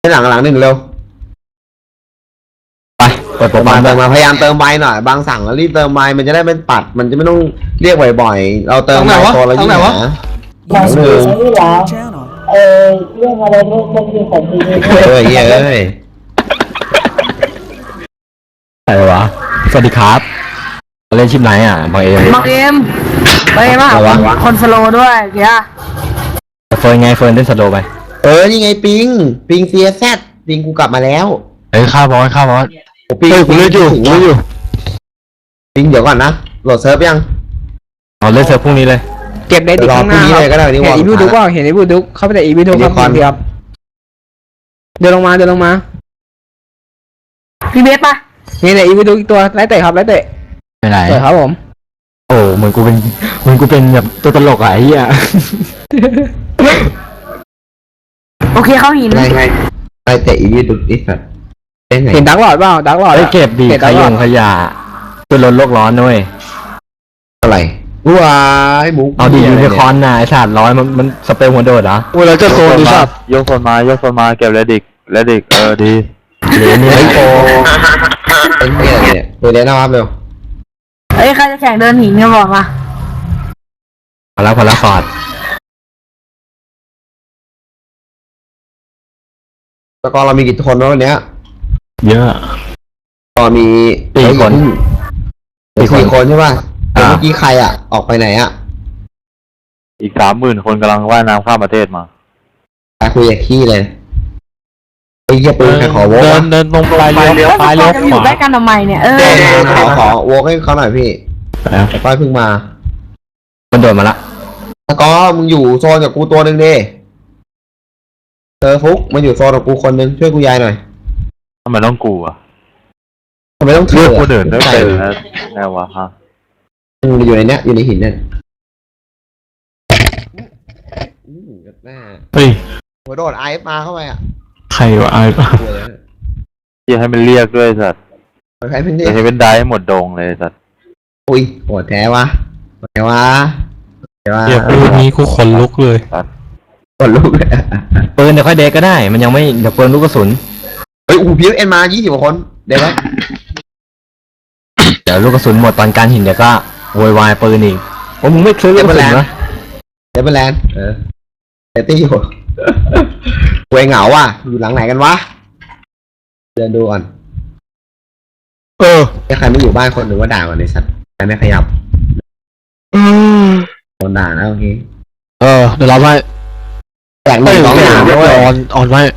ให้หลังหนึ่งเร็วไปเปิดโปรไฟล์เติมมาพยายามเติมใบหน่อยบางสั่งแล้วรีบเติมใบมันจะได้เป็นปัดมันจะไม่ต้องเรียกบ่อยๆเราเติมใบตัวเรายิ่งหาหลังหนึ่งเรื่องอะไรเรื่องที่ผมดีเฮ้ยอะไรวะสวัสดีครับเล่นชิปไหนอ่ะบางเอ็มมาคนสโลด้วยเกียร์เฟิร์นไงเฟิร์นเล่นสโลไปนี่ไงปิง CSZ ปิงกูกลับมาแล้วข้าวบอสปิงกูเล่นอยู่ปิงเดี๋ยวก่อนนะโหลดเซิร์ฟยังเล่นเซิร์ฟพรุ่งนี้เลยเก็บได้ดิข้างหน้าเลยก็ได้เห็นอีวิวดุกว่าเห็นอีวิวดุกเข้าไปแต่อีวิวดุกครับเดียวเดินลงมาพี่เบสปะนี่เนี่ยอีวิวดุกตัวไล่เตะครับไล่เตะไปไหนครับผมโอ้เหมือนกูเป็นแบบตัวตลกอ่ะไอ้เหี้ยโอเคเข้าหินไปเตะอีวิดุดิสัตเห็นดักหลอดเปล่าดักหลอดเก็บดีขยะเพื่อลดโลกร้อนด้วยอะไรว้ายหมูเอาดียูนิคอร์นน่ะไอ้สัตว์ร้อยมันสเปรย์หัวโดดเหรอโอ้ยเราจะโซนดิสัตว์ยกโซนมาเก็บเลดิกดีเหรียญนี่ไอ้โตเป็นเงี้ยเนี่ยตัวเล่นนะครับเร็วใครจะแข่งเดินหินกันบอกมาพอแล้วฟอร์ดตะกอนเรามีกี่คนวันนี้เยอะก็มี 4 คนใช่ป่ะเมื่อกี้ใครออกไปไหนอีก 30,000 คนกำลังว่ายน้ำข้ามประเทศมาไปคุยกับขี้เลยไอ้เหี้ยปืนใครขอโว้เดินลงไปเลี้ยวขวาอยู่ใกล้กันทำไมเนี่ยขอโว้ให้เขาหน่อยพี่ป้ายเพิ่งมามันโดดมาละตะกอมึงอยู่โซนกับกูตัวหนึ่งดิฟุกมันอยู่โซนกับกูคนนึงช่วยกูยายหน่อยทำไมต้องกูทำไมต้องเชื่อกูเดินได้เป็นแน่วะฮะอยู่ในเนี้ยอยู่ในหินนั่นเฮ้ยหัวโดดไอฟ์มาเข้าไปใครวะไอฟ์ที่ให้มันเรียกด้วยสัตว์ใครเป็นจะให้เป็นได้หมดโดงเลยสัตว์อุ้ยโหดแท้วะเดี๋ยวปืนนี้กูขนลุกเลยขนลุกปืนเดี๋ยวค่อยเด็กก็ได้มันยังไม่เดี๋ยวปืนลูกกระสุนพีเอ็นมา20 กว่าคนเดี๋ยวนะเดี๋ยวลูกกระสุนหมดตอนการหินเดี๋ยวก็โวยวายปืนอีกโอ้มึงไม่ซื้อลูกกระสุนนะเดี๋ยวเป็นแลนเตตี้อยู่เวงเหงาอยู่หลังไหนกันวะเดินดูก่อนถ้าใครไม่อยู่บ้านคนหนึ่งว่าด่าก่อนในสัตว์ใครไม่ขยับคนด่านะโอเคเดี๋ยวเราไปแตกหนึ่ง2 3ด้วยอ่อนไว้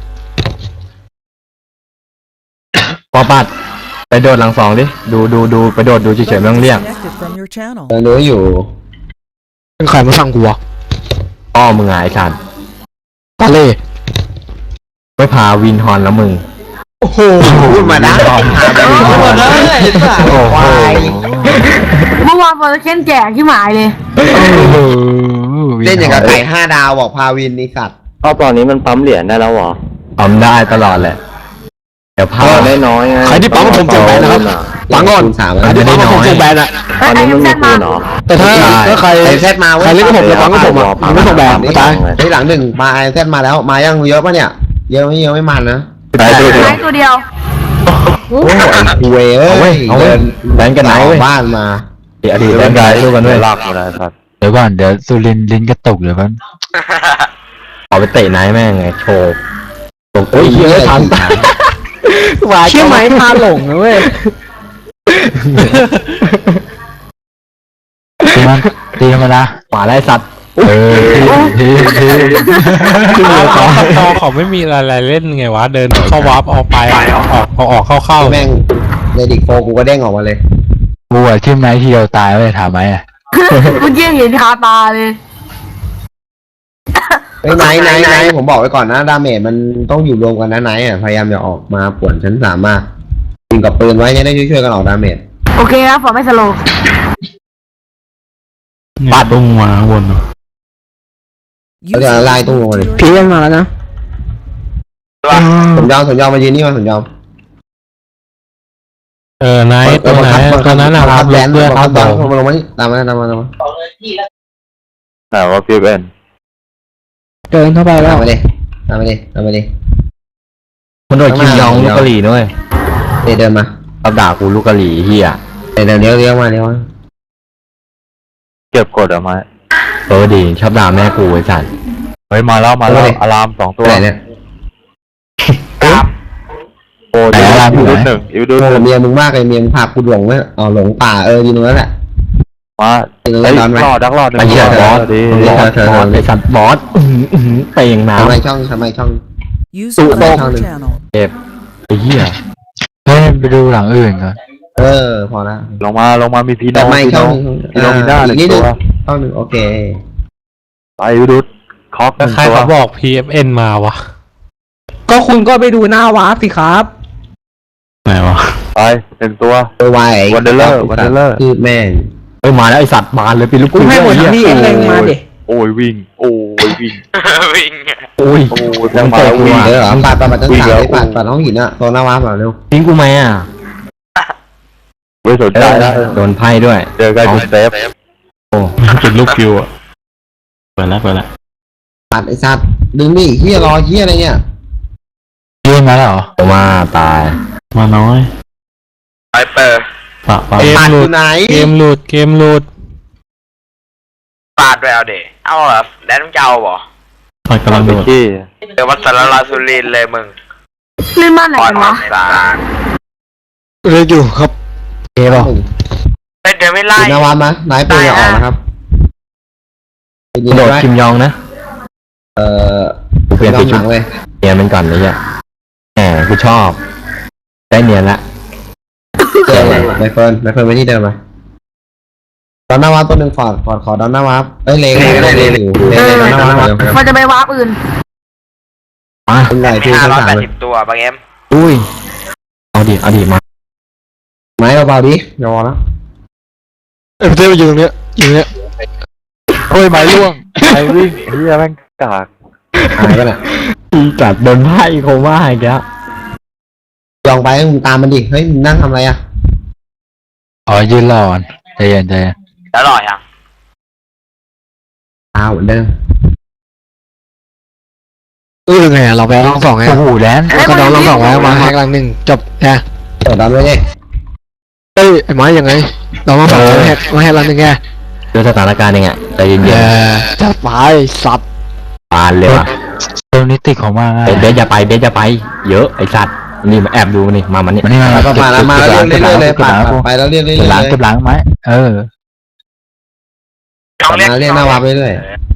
ปอปัดไปโดดหลัง2ดิดูไปโดดดูเฉยๆไม่ต้องเรียกดูอยู่เป็นใครมาสั่งกูวะมึงไงไอ้สันตาเล่ไม่พาวินฮอนแล้วมึงโอ้โหพูดมาได้เมื่อวานพอจะเค้นแจกที่หมายเลยเล่นอย่างกับไก่5 ดาวบอกพาวินนี่สัตว์ตอนนี้มันปั๊มเหรียญได้แล้วหรอปั๊มได้ตลอดแหละเดี๋ยวพาได้น้อยใครที่ปั๊มผมเจอแบนนะครับปั๊มก่อนใครที่ปั๊มผมเจอแบนตอนนี้มันมีปืนหรอแต่ถ้าใครแซดมาใครเล่นกับผมจะปั๊มกับผมไม่ส่งแบนไม่ตายหลัง1มาแซดมาแล้วมายังเยอะป่ะเนี่ยเยอะไม่มันนะตัวเดียวโอ้ยเว้ยเดินแบนกันไหนบ้านมาอดีตแบนกันดูกันด้วยลากมาได้ครับเดี๋ยวก่อนเดี๋ยวสุรินลิ้นกระตุกเดี๋ยวมันเอาไปเตะไหนแม่งไงโชว์โอ้ยเยอะทันเชื่อไหมพาหลงนะเว้ยตีมันนะหมาไล่สัตว์เขาไม่มีอะไรเล่นไงวะเดินเข้าวาร์ปออกไปออกเข้าแม่งในดิกโฟกูก็เด้งออกมาเลยกูทิ่มไหนที่เราตายไว้ถามไหมเมื่อกี้เห็นคาตาเลยไหนผมบอกไว้ก่อนนะดาเมจมันต้องอยู่รวมกันนะไหนพยายามอย่าออกมาป่วนชั้น3มากยิงกับปืนไว้จะได้ช่วยกันออกดาเมจโอเคครับผมไม่สโลปาดตรงมาวนเราจะไล่ตรงลงเลยพีเอ็นมาแล้วนะสมยอมมายืนนี่มาสมยอมไหนตรงไหนตรงนั้นนะครับแบนเพื่อนเขาลงมาตามมาแต่ว่าพีเอ็นเดินเข้าไปแล้วตามมาดิมันโดนคิมยองลูกกะหรี่ด้วยเดินมารับด่ากูลูกกะหรี่เฮียเดี๋ยวเลี้ยวมาเลี้ยวมาเก็บกดเอาไม้ดีชอบด่าแม่กูไอ้สัตว์เฮ้ยมาแล้วอะลาม2 ตัวไหนเนี่ยโอ้ยอีวิวหนึ่งอีวิวโอ้หนึ่งเมียมึงมากเลยเมียมึงพากูหลงไหมอ๋อหลงป่ายืนตรงนั้นแหละมายืนตรงเฮ้นั้ยนไหมรอดหนึ่งไอ้เหี้ยบอสดีบอสไอ้สัตว์บอสเปย์น้ทำไมช่อง User left your channel. ำเจ็บไอ้เหี้ยเฮ้ยไปดูหลังอื่นก่อนพอแล้วลงมามีพีโนแต่ไม่พีช่โนองพีโนมีหน้าหนึ่งนิดนึตังวช่องหนึ่งโอเคไปดูดคอกหแล้วนึ่งใครตัวเขาบอก PFN มาวะก็คุณก็ไปดูหน้าวาร์ปสิครับไหนวะไป1 ตัววาย Wanderer คือแม่งเฮ้ยมาแล้วไอ้สัตว์บานเลยปีลูกกูให้หมดทั้งที่เองเลยมาดิโอ้ยวิ่งโอ้ยวิ่งโอ้ยโอ้ยยัยัง งเตะมากูวิ่งอ่ะเดี๋ยวเหรอปัดต้นวิ่งขาแล้วเลยปัดห้องหินอะตัวหน้าวาร์ปเร็วทิ้งกูไหมอ่ะไม่สนใจแล้วโดนไพ่ด้วยเจอกันเป็นเซฟโอ้จุดลูกคิวอะเปิดแล้วปัดไอ้สัตว์ดึงนี่เฮียรอเฮียอะไรเนี่ยยื่นมาแล้วเหรอมาตายมาน้อยไปเปิดปะปัดอยู่ไหนเกมหลุดปาดไปเอาเดเอาเหรอแดนมึงจะเอาบ่ปะกำลังโดดที่เดี๋ยววัดสารลาสุรินทร์เลยมึงลื่นบ้านไหนกันวะสารเรียกอยู่ครับเอ๋ป่ะเฮ้ยเดี๋ยวไม่ไล่หน้าวาร์ปนะนายปืนอย่าออกนะครับยิงโดดไว้คิมยองนะกูเปลี่ยนไปชุดเลยเนียนมันก่อนเลยอ่ะแหมกูชอบได้เนียนละเจอไมเฟิร์นไปที่เดิมมาดอนหน้าวาร์ปตัวหนึ่งฟอร์ดขอดอนหน้าวาร์ปเลงอยู่เลงดอนหน้าวาร์ปมันจะไปวาร์ปอื่นมาเป็นไรที่ชั้น3เลย 580 ตัวบางเอ็มอุ้ยเอาดิมาไม้เบาๆดิอย่าวอแล้วเอ้ยเต้อยู่ตรงเนี้ยโอ้ยไม้ร่วงไม้วิ่งเฮียแม่งกากหายไปน่ะอีจัดโดนไพ่โคม่าอีกแล้วยองไปมึงตามมันดิเฮ้ยมึงนั่งทำอะไรอ่ะอ๋อยืนรอก่อนใจเย็นแล้วหล่อยังเหมือนเดิมไงเราไปลองสองไงโอ้โหแดนก็น้องลองสองไว้มาแฮกหลังหนึ่งจบแค่เปิดดอนไว้ดิเอ้ยไอ้ไม้ยังไงเราลองสองมาแฮกหลังหนึ่งไงดูสถานการณ์ยังไงใจเย็นๆจะไปสัตว์ปานเลยว่ะตรงนี้ติดของมากเบสอย่าไปเยอะไอ้สัตว์นี่มาแอบดูนี่มามันนี่แล้วก็มาแล้วเรื่อยๆเลยปัดไปแล้วเรื่อยๆเลยเก็บหลังไหมต้องมาเรียกหน้าวาร์ปเรื่อย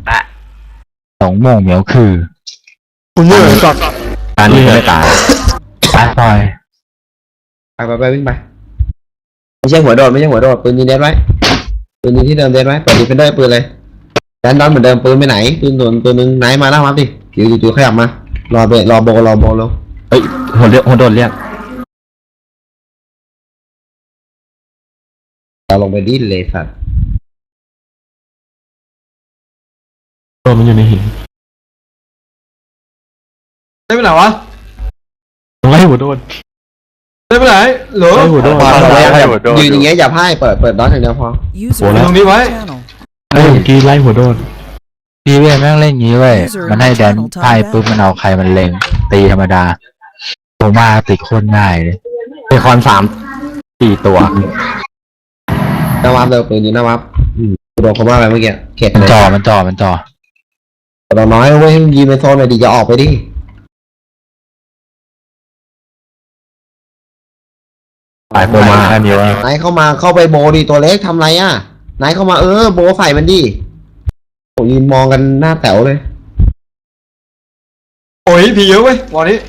2 โมงเหมียวคือคุณเมื่อสัตว์การนี้ไม่ตายปล่อยไปวิ่งไปไม่ใช่หัวโดดปืนยิงเด็ดไว้ปืนยิงที่เดิมเด็ดไว้เปิดดีเฟนเดอร์ปืนเลยแดนดอนเหมือนเดิมปืนไปไหนปืนตัวนึงไหนมาหน้าวาร์ปดิจู่ขยับมารอโบลงเฮ้ยหัวโดนเรียกเราลงไปดิ้นเลยสัตว์ตัวมันอยู่ในหินได้ไปไหนวะไล่หัวโดนได้ไปไหนหรอไล่หัวโดนยืนอย่างเงี้ยอย่าพ่ายเปิดดอนอย่างเดียวพอ User Ủa, left Không đi your vậy. channel. เมื่อกี้ไล่หัวโดนพี่เว้ยแม่งเล่นงี้เว้ยมันให้แดนไพ่ปุ๊บมันเอาใครมันเล็งตีธรรมดาโคม่าติดโคตรง่ายเลยเบคอน4 ตัวหน้าวาร์ปเร็วปืนยิงหน้าวาร์ปโดนเขาว่าอะไรเมื่อกี้เข็ดมันเลยจ่อเราน้อยเว้ยยิงไปโซนหน่อยดิจะออกไปดิตายโคม่าแค่นี้ว่านายเข้าไปโบดิตัวเล็กทำไรอ่ะนายเข้ามาโบใส่มันดิโอ้ยืนมองกันหน้าแต๋วเลยโอ้ยผีเยอะเว้ยวันนี้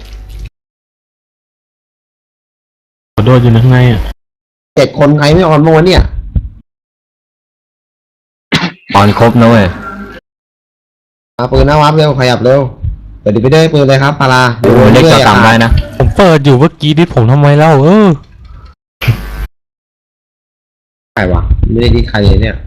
หัวโดนอยู่ข้างในอ่ะ 7 คนใครไม่ออนโมเนี่ยออนครบนะเว้ยมาปืนหน้าวาร์ปเร็วขยับเร็วเปิดดิไปได้ปืนเลยครับพาราเล็กก็ตามได้นะผมเปิดอยู่เมื่อกี้ดิผมทำไมเล่าใครวะไม่ได้ดิใครเลยเนี่ย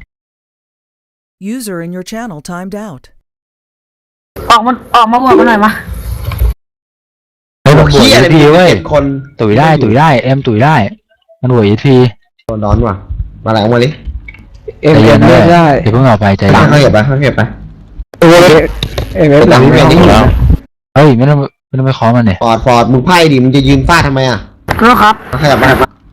User in your channel timed out. ออกมาบวกกันหน่อยมาเฮ้ยมันบวกอะไร ET เว้ย 7 คนตุ๋ยได้เอ็มตุ๋ยได้มันบวก ET โดนร้อนว่ะมาไหลออกมาดิเอ็มเอ็มไม่ได้เดี๋ยวเพิ่งเอาไปใจข้าเย็นเก็บไปเอ็มเอ็มหลังไม่เวียนได้นี่เฮ้ยไม่ต้องคุณต้องไปขอมันเนี่ยฟอร์ดมึงไพ่ดิมึงจะยืนฟาดทำไมอ่ะรู้ครับขยับมา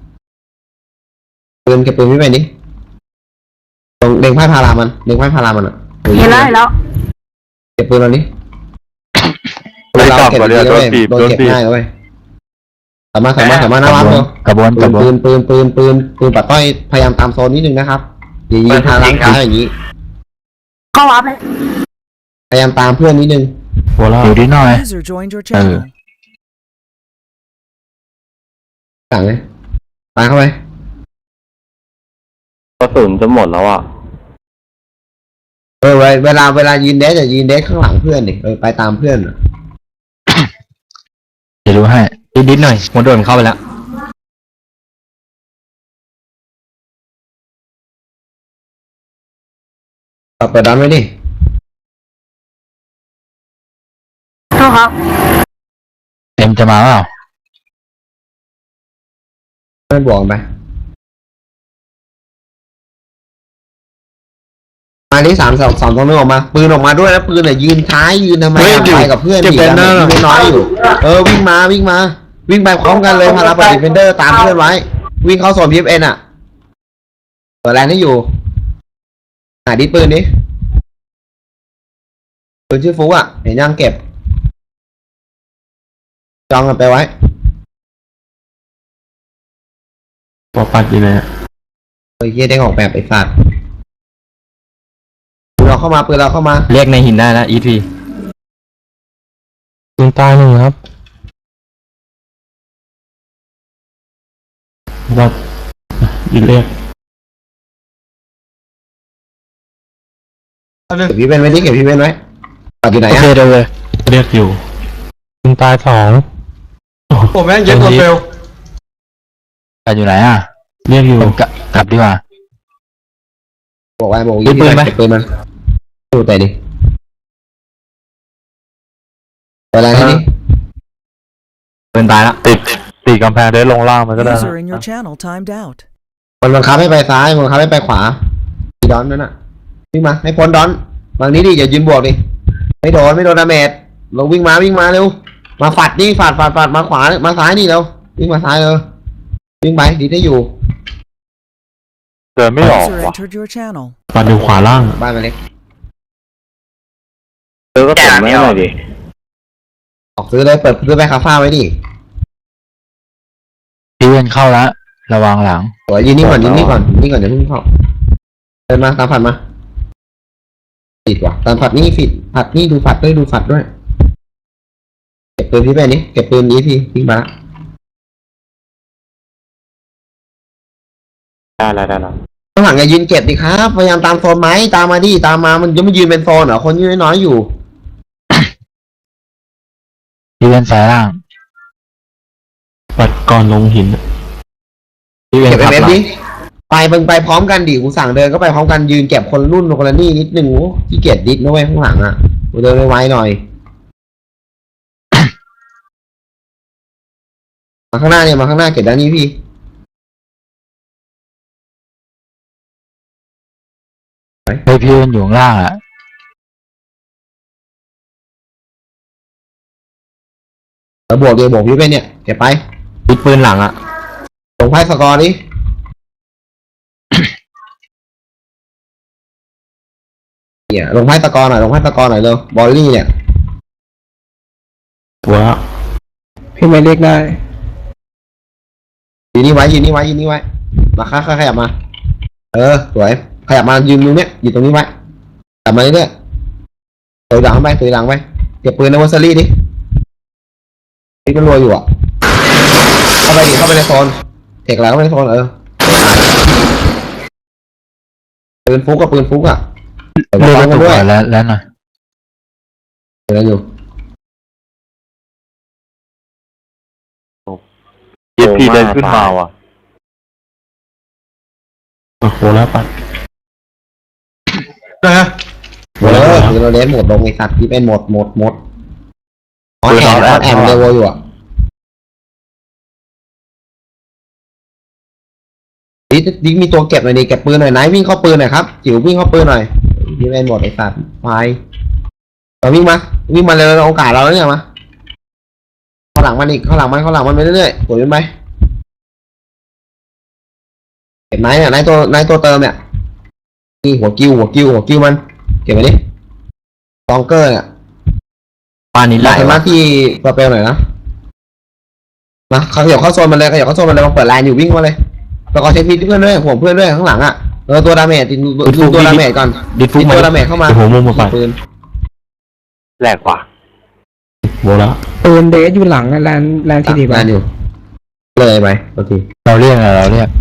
ปืนเก็บปืนพี่ไปนี่ตรงเล็งไพ่พารามันเล็งไพ่พารามันอ่ะเห็นแล้วเห็นแล้วเก็บปืนเรานี่ไม่กลับเก็บก่อนดีเลยนะโดเว้นยบีบโดนโดนเก็บบีบง่ายนะเว้ยสามารถหน้าวัดเร็วกระบวนกระบวนปืนปัดต้อยพยายามตามโซนนิดนึงนะครับอย่ายืนทางล้างเท้าอย่างนี้เข้าวับเลยพยายามตามเพื่อนนิดนึงอยู่ดีหน่อย User joined your channel. สั่งเลยตามเข้าไปกระสุนจะหมดแล้วอ่ะเวลายืนเดสจะยืนเดสข้างหลังเพื่อนดิไปตามเพื่อนเดี๋ยวดูให้นิดหน่อยหัวโดนเข้าไปแล้วเปิดดันไว้ดิรู้ครับเอ็มจะมาเปล่าไม่บวกไปมาที่3 2 1ออกมาปืนออกมาด้วยแล้วปืนเนี่ยยืนท้ายยืนทำไมไปกับเพื่อนดิกันไม่น้อยอยู่วิ่งมาวิ่งไปพร้อมกันเลยพาราปฏิเฟนเดอร์ตามเพื่อนไว้วิ่งเข้าโซน PFN อ่ะเปิดแรงให้อยู่ดิปืนนี้ปืนชื่อฟุกอ่ะเห็นยังเก็บจองกันไปไว้ปอปัดอยู่ไหนเฮียได้ออกแบบไอ้สัตว์ปืนเราเข้ามาเรียกในหินได้แล้ว EP ปืนตายหนึ่งครับวัดยิงเรียกเก็บพี่เป็นไว้ดิเก็บพี่เป็นไว้ปัดอยู่ไหนโออ่ะเคเดี๋ยวเลยเรียกอยู่ปืนตาย2 ผมแม่งเยอะกว่าเฟลกันอยู่ไหนอ่ะเรียกอยู่กลับดีกว่าบอกยิงปืนไหมเก็บปืนมันดูแต่ดิเปิดแรงให้ดิปืนตายแล้วติดกำแพงได้ลงล่างมันก็ได้ User in your channel timed out. มันบังคับให้ไปซ้ายมันบังคับให้ไปขวาดอนนั่นน่ะวิ่งมาให้พ้นดอนบางนี้ดิอย่ายืนบวกดิไม่โดนดาเมจเราวิ่งมาเร็วมาฝัดนี่ฝัดมาขวามาซ้ายนี่เร็ววิ่งมาซ้ายเลยวิ่งไปดีได้อยู่เดินไม่ออก User ว่ะ entered your channel. ปัดอยู่ขวาล่างบ้านมันเล็กเจอก็ติดไม่หน่อยดิออกซื้อเลยเปิดซื้อไปคาฟ้าไว้ดิพี่เวนเข้าแล้วระวังหลังหัวยืนนี่ก่อนอย่าเพิ่งเข้าเดินมาตามผัดมาติดว่ะตามผัดนี่ผิดผัดนี่ดูฝัดด้วยเก็บปืนพี่ไปนี่เก็บปืนนี้พี่วิ่งมาได้แล้วข้างหลังอย่ายืนเก็บดิครับพยายามตามโซนไหมตามมาดิตามมามันยังไม่ยืนเป็นโซนเหรอคนยืนน้อยอยู่พี่เวนสายล่างปัดก่อนลงหินพี่เวนเก็บขับเอฟหลังดิไปพร้อมกันดิกูสั่งเดินก็ไปพร้อมกันยืนเก็บคนรุ่นคนละนี่นิดนึงขี้เกียจดิสนะเว้ยข้างหลังอ่ะกูเดินไวๆหน่อย มาข้างหน้าเก็บด้านนี้พี่เฮ้ยพี่เวนอยู่ข้างล่างอ่ะแล้วบวกพี่ไปเนี่ยเก็บไปปิดปืนหลังอ่ะลงไพ่สกอร์ดิเนี่ยลงไพ่สกอร์หน่อยเร็วบอลลี่เนี่ยหัวพี่ไม่เรียกได้ยืนนี่ไว้มาขยับมาสวยขยับมายืนตรงเนี้ยอยู่ตรงนี้ไว้กลับมาเรื่อยๆตัวหลังไปเก็บปืนในวอสซี่ดิที่มันรัวอยู่อ่ะเข้าไปในโซนเทคแล้วเข้าไปในโซนปืนฟุกอ่ะเดี๋ยวเลือกฟักงระกัตุนกด้วยก่อนแล้วหน่อยเดี๋ยวอยู่ยิปพีเดินขึ้นมาว่ะโอ้โหแล้วปัดคือเราเล่นหมดลงไอ้สัตว์ที่เป็นหมดออนแอมเดวอยู่อ่ะดิมีตัวเก็บหน่อยดิเก็บปืนหน่อยไหนวิ่งเข้าปืนหน่อยครับจิ๋ววิ่งเข้าปืนหน่อยที่เป็นหมดไอ้สัตว์ไฟเราวิ่งมาเลยโอกาสเราแล้วเนี่ยมาาหลังมันอีกเข้าหลังมันไปเรื่อยๆกดมันไปเก็บไนท์เนี่ยไนท์ตัวเติมเนี่ยนี่หัวกิ้วมันเก็บไปดิตองเกอร์เนี่ยปานี้ไล่เห็นไหมที่สเปลหน่อยนะเขาขยับเข้าโซนมันเลยมาเปิดไลน์อยู่วิ่งมาเลยแล้วก็เช็คพีเพื่อนด้วยห่วงเพื่อนด้วยข้างหลังอ่ะตัวดาเมจดูตัวดาเมจก่อนดิดฟุกตัวดาเมจเข้ามาหัวมุมมาไปปืนแหลกว่ะโบแล้วปืนเดสอยู่หลังแลนที่ดีแลป่ะนอยู่เลยไปโอเคเราเรียกอะไรเราเรียก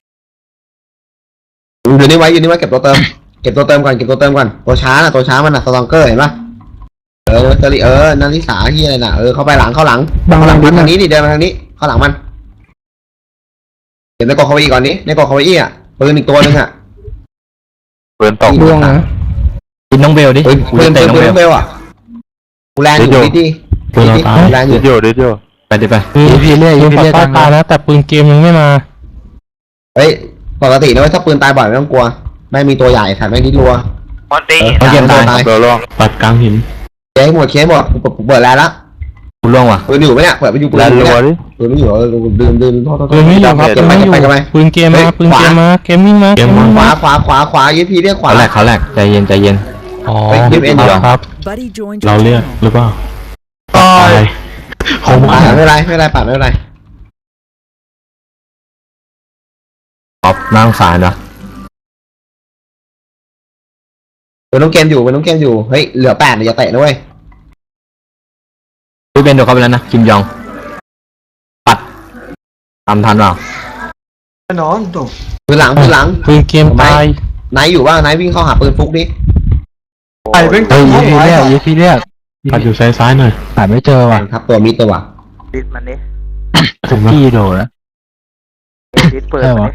อยู่นี่ไว้เก็บตัวเติมก่อนตัวช้ามันสตองเกอร์เห็นปะนันทิสาที่อะไรน่ะเข้าไปหลังเข้าหลังมันทางนี้ดิเดินมาทางนี้เข้าหลังมันเดี๋ยวในกอเขาอีกก่อนนี้ในกอเขาอีอ่ะปืนอีกตัวนึงอ่ะปืนตกดวงนะดิดน้องเบลดิปืนเบลอ่ะกูแลนอยู่ดิปืนเราตายแลนอเดี๋ยู่ยวไปดิไป EP เรียกปืน EP ปัดเรียกใต้ทางตานะแต่ปืนเกมยังไม่มาเฮ้ยปกตินะเว้ยถ้าปืนตายบ่อยไม่ต้องกลัวไม่มีตัวใหญ่ถ่ายไม่ดิ้นรัวมอนตีเขาเกมตายเดี๋ยวลองปัดกลางหินเคสหมดเปิดแล้วกูล่วงว่ะปืนอยู่ไหมเนี่ยเปิดไปอยู่ปืนแลนอยู่รัวเนี่ยดิปืนไม่อยู่ดื่มโทษปืนไม่อยู่ครับเก็บไปปืนเกมมาปืนเกมมาเกมวิ่งมาขวายีพีเรียกขวาเขาแหลกใจเย็นอ๋อไปเกมเอ็นอยู่ครับ Buddy joined เรา your เรียก channel. หรือเปล่าคงไม่เป็นไรปัดไม่เป็นไรออฟนั่งสารนะเป็นน้องเกมอยู่เฮ้ยเหลือ8อย่าเตะนะเว้ยพี่เบนโดนเข้าไปแล้วนะคิมยองปัดทำทันเปล่าปืนหลังปืนเกมตายไหนอยู่บ้างไหนวิ่งเข้าหาปืนฟุกดิเฮ้ย EP เรียก EP เรียกปัดอยู่ซ้ายหน่อยหาไม่เจอว่ะครับตัวมิดตัวว่ะดิสมันดิผมพี่โดดนะดิสเปิดใช่มันวะ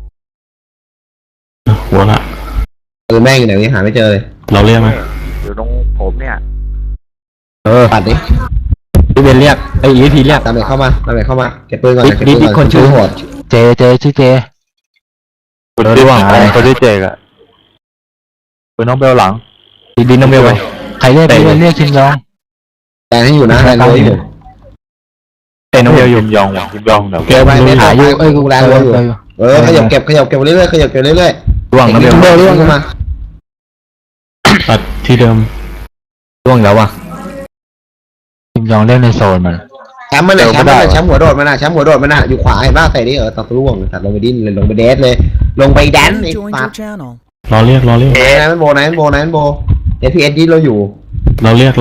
ดิหัวละปืนแม่งอยู่ไหนนี่หาไม่เจอเลยเราเรียกไหมอยู่ตรงผมเนี่ยปัดดิพี่เบนเรียกEP เรียกดาเมจเข้ามาเก็บปืนก่อนดิคนชื่อโหดเจชื่อเจปืนที่ว่างอะไรปืนที่เจกอะปืนน้องเบลหลังดิดน้องเบลไปใครเรียกพี่เรียกคิมยองแลนให้อยู่นะแลนรัวอยู่เตะน้องเบลอยู่ยิมยองว่ะยิมยองเดี๋ยวเก็บไปไม่หาหาอยู่กูแลนรัวอยู่ขยับเก็บไปเรื่อยๆล่วงน้องเบลร่วงขึ้นมาปัดที่เดิมล่วงแล้วว่ะคิมยองเล่นในโซนมันแชมป์หัวโดดมันน่ะอยู่ขวาเห็นป่ะเตะดิตัดร่วงตัดลงไปดิ้นเลยลงไปเดสเลยลงไปแดน Buddy ไอ้ joined ปา your channel. เราเรียกไหนโบFPS ดิ้นเราอยู่เราเรียก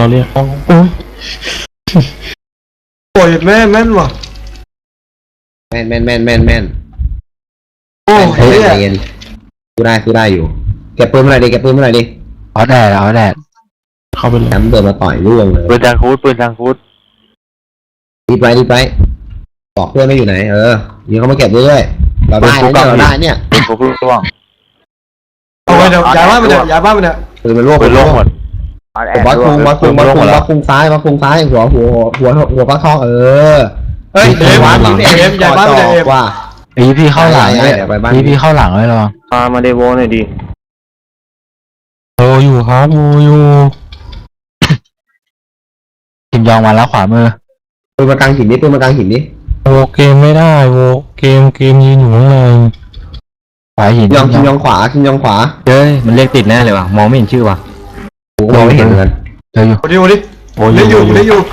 โอ้ยแม่นว่ะแม่นโอ้ยใจเย็นสู้ได้อยู่เก็บปืนเมื่อไหร่ดิเอาแดดเข้าไปเลยแชมป์เดินมาต่อยร่วงเลยปืนจางคูดรีบไปบอกเพื่อนไม่อยู่ไหนยิงเขามาเก็บเรื่อยๆเราได้เนี่ยปืนพวกร่วงเอาไปเดี๋ยวย้ายบ้านมันเนี่ยปืนมันร่วงปืนร่วงหมดบอสคุงซ้ายหัวปลาทองเฮ้ยย้ายบ้านมันเนี่ยว่า EP เข้าหลังเลย EP เข้าหลังเลยหรอมาเดโวหน่อยดิโออยู่ครับโออยู่คิมยองมาแล้วขวามือปืนมากลางหินนี่โอเกมไม่ได้โอเกมยืนอยู่ข้างในขวาหินคิมยองขวาเฮ้ยมันเรียกติดแน่เลยว่ะมองไม่เห็นชื่อว่ะกูมองไม่เห็นเหมือนกันเจออยู่ปัดเรียกอยู่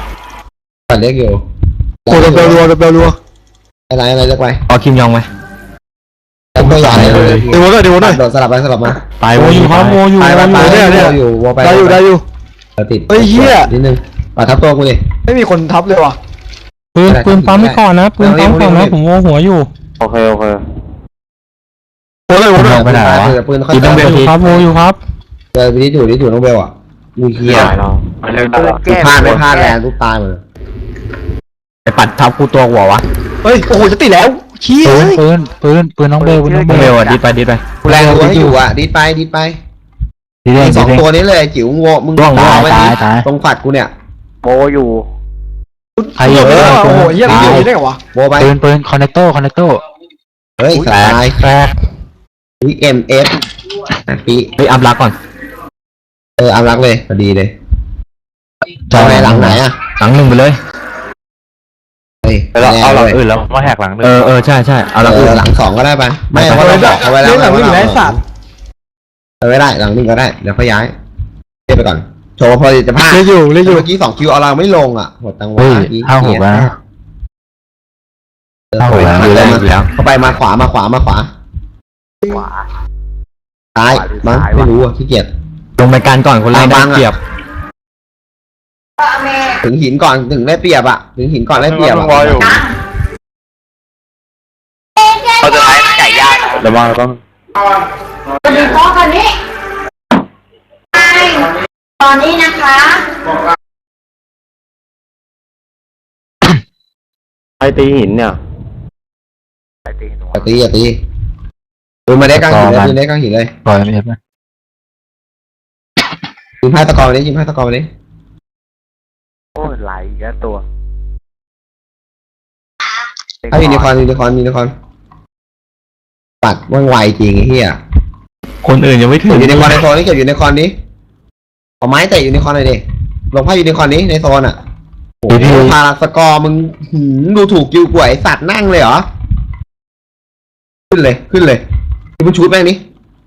โอ้เบลรัวอะไรเรียกไปเอาคิมยองไหมแล้วก็ใหญ่เลยดูหน่อยโดดสลับมาตายโออยู่ครับโออยู่อยู่วัวไปได้อยู่ติดเฮ้ยเหี้ยนิดนึงปัดทับตัวกูดิปืนปั๊มไม่ก่อนนะปืนปั๊มก่อนนะผมโอหัวอยู่โอเคคิมยองไปไหนวะปืนเขาดิดน้องเบลอยู่ครับโออยู่ครับเจอวินิจูน้องเบลอ่ะกูเหี้ยไม่เล่นได้พลาดแรงทุกตายหมดไปปัดทับกูตัวหัววะปืนน้องเบลน้องเบลอ่ะดิดไปกูแรงรัวให้อยู่อ่ะดีไปดีเด้งสองตัวนี้เลยจิ๋วงมึงตรงฝัดกูเนี่ยโบอยู่ใครอยู่โบไปปืนคอนเนคโต้เฮ้ยสายแฟร์เอ็มเอฟปีเฮ้ยอัพรักก่อนอัมรักเลยพอดีเลยจะเอาไปหลังไหนอ่ะหลังหนึ่งไปเลยเราเอาหลังแน่อื่นแล้วมาแหกหลังหนึ่งใช่ใช่เอาเอละอหลังสองก็ได้ไปไม่ว่าเราบอกเอาไว้แล้วหลัง1ได้สัตว์เอาไว้ได้หลังหนึ่งก็ได้เดี๋ยวเขาย้ายเรียกไปก่อนโชว์พอจะพลาดเรียกอยู่เมื่อกี้2 คิวเอาเราไม่ลงอ่ะหมดตังค์เฮ้ยว้า 5-6แล้วนะเข้าไปอยู่แล้วอยู่แล้วเข้าไปมาขวาซ้ายมั้งไม่รู้อ่ะขี้เกียจลงไปการก่อนคนแรกได้เปรียบถึงหินก่อนถึงได้เปรียบอ่ะถึงหินก่อนได้เปรียบรออยู่เขาจะใช้ไก่ย่างนะระวังระวังสวัสดีพ่อคนนี้ตอนนี้นะคะไอตีหินเนี่ยอย่าตีปืนมาได้กลางหินเลยปืนได้กลางหินเลยปล่อยเอฟนะยิงพายตะกอนไปดิยิงพายตะกอนไปดิโอ้ยไหลแย่ตัวถ้ายูนิคอร์นปัดว่องไวจริงไอ้เหี้ยคนอื่นยังไม่ถึเก็งบยูนิคอร์นในโซนนี้เก็บยูนิคอร์นนี้เอาไม้เตะยูนิคอร์นหน่อยดิลงพายยูนิคอร์นนี้ในโซนอ่ะโอ้โหพาราสกอร์มึงดูถูกกิวกวยสัตว์นั่งเลยเหรอขึ้นเลยที่มึงชูดแม่งนี้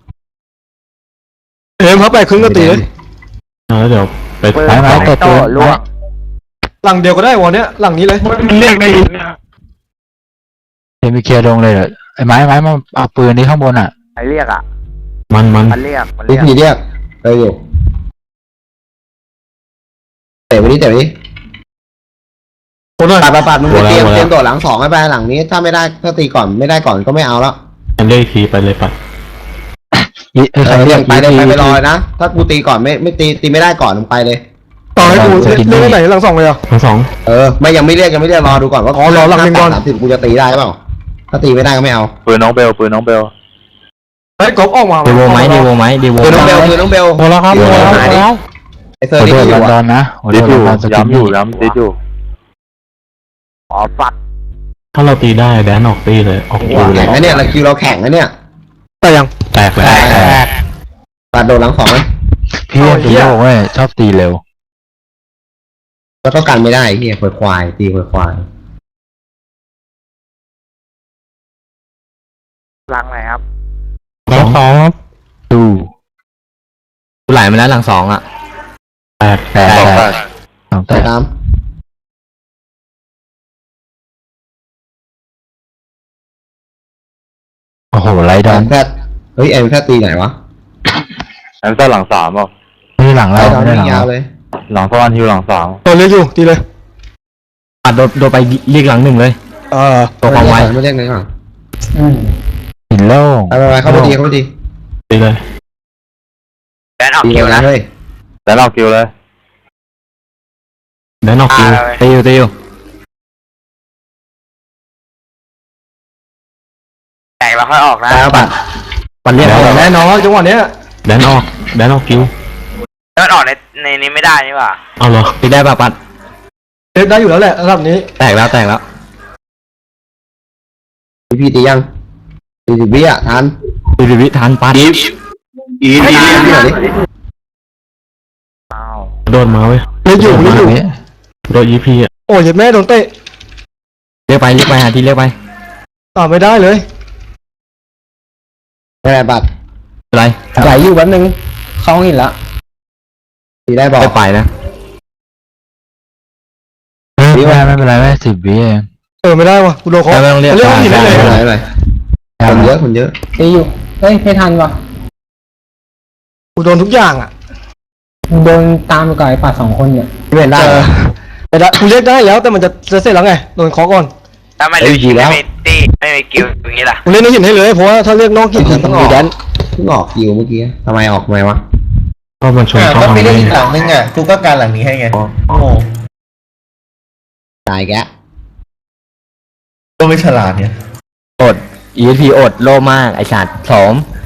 เอ็มครับไปครึ่งก็ตีเลยแล้วเดี๋ยวไปไม้ไม้ตัวตัวล่วงหลังเดียวก็ได้วันเนี้ยหลังนี้เลยมันเรียกได้หินเนี่ยเอ็มไปเคลียร์ลงเลยเหรอไอ้ไม้มาเอาปืนที่ข้างบนอ่ะไอเรียกอ่ะมันมันเรียกวิธีเรียกอยู่เตะไปดิคนหน่อยปัดมึงไปเตรียมโดดหลังสองให้ไปหลังนี้ถ้าไม่ได้ถ้าตีก่อนไม่ได้ก่อนก็ไม่เอาแล้วเลขทีไปเลยปัดเรียกไปเลยไปรอนะถ้ากูตีก่อนไม่ตีไม่ได้ก่อนมึงไปเลยต่อให้กูเล่นไหนหลัง2เลยอ่ะทั้งสองยังไม่เรียกรอดูก่อนว่าอ๋อรอหลังหนึ่งก่อน 30กูจะตีได้เปล่าถ้าตีไม่ได้ก็ไม่เอาปืนน้องเบลเฮ้ยกบออกมาเดโวไหมคือน้องเบลโอ้แล้วครับเดี๋ยวโอ้หาดิแล้วไอเซอขร์อนี่โทษอยู่ดออ่ะนนะขอโทดิษดอยู่ดอนสกิย้ำอยู่นย้ำดิดอยู่อ๋อปัดถ้าเราตีได้แดนออกตีเลยออกคิวเลยแข่งนะเนี่ยเราคิวเราแข่งนะเนี่ยแต่ยังแตกเลยปัดโดนหลังสองไหมพี่ตีโยกเว้ยชอบตีเร็วแล้วก็กันไม่ได้เฮียควายตีควายหลังไหนครับแล้วสองครับดูไหลมาแล้วหลังสองอ่ะแตก สองแตแต่กตามโอ้โหไรดแออนมแพทเฮ้ยแอมแพทตีไหนวะแอมซ่าหลัง3เปล่านี่หลังไล่เราดอนไม่ได้หลังวิ่งยาวเราเลยหลังสวรรค์ฮิวหลัง3 ตัวเล็กอยู่ตีเลยปัดโดนไปเรียกหลังหนึ่งเลย ตัวความไวไม่เรียกเลยก่อนหินโล่งไปเข้าไปตีตีเลยแดนออกตีคิวนะนะเฮ้ยแล้วเราคิวเลยแดนออกคิวตีอยู่แตกแล้วค่อยออกนะแล้วปัดปัดเรียกแน่นอนจังหวะเนี้ยแดนออกคิวแล้วมันออกในนี้ไม่ได้นี่หว่าเอาเหรอตีได้ป่ะปัดเล่นได้อยู่แล้วแหละระดับนี้แตกแล้วพี่ตียัง40 วิอ่ะทันตีวิทานปัดตีที่ไหนดิอ้าวโดนมาเว้ยเล่นอยู่โดนยีพีอ่ะโอ้ยแม่โดนเตะเรียกไปหาทีเรียกไปไม่ได้เลยไม่ได้ปัดอะไรไหลอยู่แป๊บนึงเข้าหินละตีได้บอกไม่ไปนะไม่เป็นไรไม่10 วิเองไม่ได้วะกูโดนเขาไม่ต้องเรียกเรียกว่าหินได้เลยไม่เป็นไรคนเยอะตีอยู่เฮ้ยไม่ทันวะกูโดนทุกอย่างอ่ะโดนตามไปก่อนไอ้ป่า2 คนเนี่ยไม่เป็นได้แต่ละกูเรียกได้แล้วแต่มันจะเสร็จแล้วไงโดนเคาะก่อนถ้าไม่รู้ไม่มีตีไม่มีกิวอย่างนี้ล่ะกูเล่นในหินให้เลยเพราะว่าถ้าเรียกนอกหินมันต้องมีแดนเพิ่งออกคิวเมื่อกี้ทำไมออกทำไมวะก็มันชนเข้ามาเลยหลังนึงอ่ะกูก็การหลังนี้ให้ไงโอ้โหตายแกก็ไม่ฉลาดเนี่ย ESP อดโลมากไอสัตว์2